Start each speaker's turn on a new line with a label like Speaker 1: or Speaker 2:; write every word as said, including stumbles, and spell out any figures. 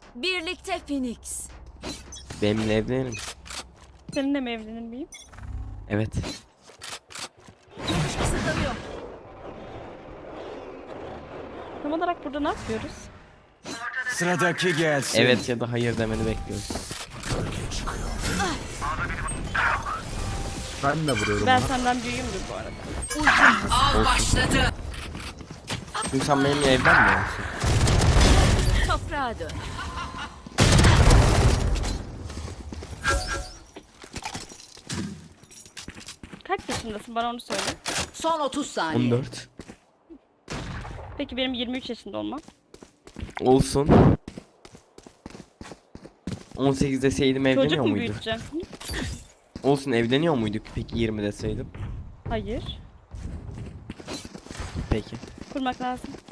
Speaker 1: Birlikte Phoenix.
Speaker 2: Benimle evlenir misin?
Speaker 3: Seninle mi evlenir miyim?
Speaker 2: Evet.
Speaker 1: Kısıtlanıyor.
Speaker 3: Tam olarak burada ne yapıyoruz?
Speaker 4: Sıradaki gelsin.
Speaker 2: Evet ya da hayır demeni bekliyoruz.
Speaker 5: Ben de vuruyorum
Speaker 3: Ben
Speaker 5: ona.
Speaker 3: senden büyüğümdür bu arada.
Speaker 1: Av başladı.
Speaker 2: Çünkü sen benimle evlenmiyor musun?
Speaker 1: Toprağa dön.
Speaker 3: Kaç yaşındasın bana onu söyle.
Speaker 1: Son otuz saniye.
Speaker 2: on dört.
Speaker 3: Peki benim yirmi üç yaşında olmam.
Speaker 2: Olsun. on sekiz deseydim
Speaker 3: Çocuk
Speaker 2: evleniyor
Speaker 3: mu
Speaker 2: muyduk?
Speaker 3: büyüteceğim? Hı?
Speaker 2: Olsun, evleniyor muyduk peki yirmi deseydim?
Speaker 3: Hayır.
Speaker 2: Peki.
Speaker 3: Kurmak lazım.